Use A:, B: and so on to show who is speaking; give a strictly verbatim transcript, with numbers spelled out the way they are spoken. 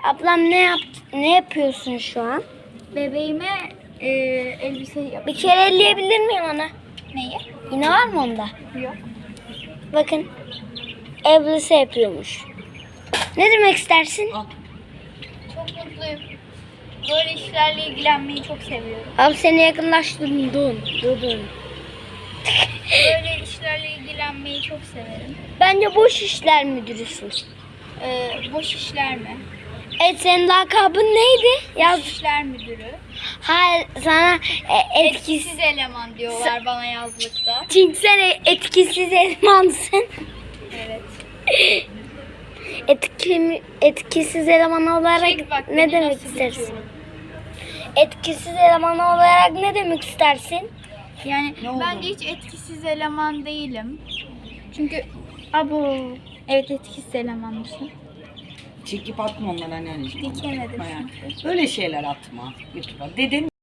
A: Ablam ne yap ne yapıyorsun şu an?
B: Bebeğime e, elbise yap.
A: Bir kere elleyebilir miyim ana?
B: Neyi?
A: Yine var mı onda?
B: Yok.
A: Bakın. Elbise yapıyormuş. Ne demek istersin?
B: Çok mutluyum. Böyle işlerle ilgilenmeyi çok seviyorum.
A: Abi seni yakınlaştırdım. Dun. Dun.
B: Böyle işlerle ilgilenmeyi çok severim.
A: Bence boş işler müdürüsün.
B: Ee, boş işler mi?
A: Evet, senin lakabın neydi? Yaz.
B: Boş işler müdürü.
A: Hayır, sana e, etkisiz.
B: Etkisiz eleman diyorlar bana yazlıkta.
A: Çünkü sen e- etkisiz elmansın.
B: Evet.
A: Etki, etkisiz eleman olarak
B: Çek bak
A: ne
B: beni
A: demek
B: nasıl
A: istersin?
B: bitiyorum.
A: Etkisiz eleman olarak ne demek istersin?
B: Yani bence hiç etkisiz eleman değilim. Çünkü abo evet etkisiz elemanmışım.
C: Çekip atma onları anneanneciğim.
B: Dikemedim.
C: Atma yani. Öyle şeyler atma YouTube'a. Deden